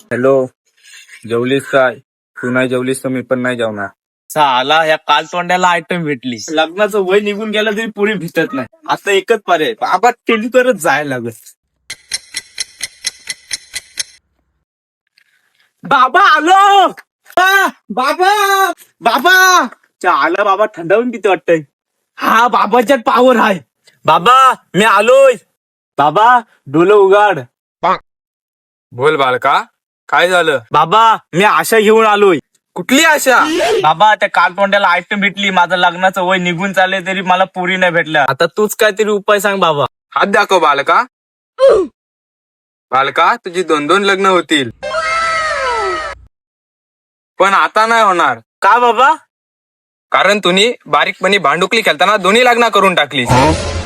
Hello, जेवलीस काय? तू नाही जेवलीस तर मी पण नाही जेवणार. साला या काल तोंड्याला आयटम भेटली. लग्नाचं वय निघून गेलं तरी पुरी भेटत नाही. आता एकच पर्याय, बाबा केली तरच जायला लागत. बाबा आलो. बाबा बाबा आला बाबा, थंडावून किती वाटतंय. हा बाबाच्यात पावर आहे. बाबा मी आलोय. बाबा डोलं उघाड. बोल बालका, काय झालं? बाबा मी आशा घेऊन आलोय. कुठली आशा? बाबा त्या काल तोंड्याला आयटम भेटली. माझं लग्नाचं वय निघून चालले तरी मला पुरी नाही भेटल्या. आता तूच काहीतरी उपाय सांग बाबा. हात दाखव बालका. बालका, तुझी 2-2 लग्न होतील, पण आता नाही होणार. का बाबा? कारण तुम्ही बारीकपणी भांडुकली खेळताना दोन्ही लग्न करून टाकलीस.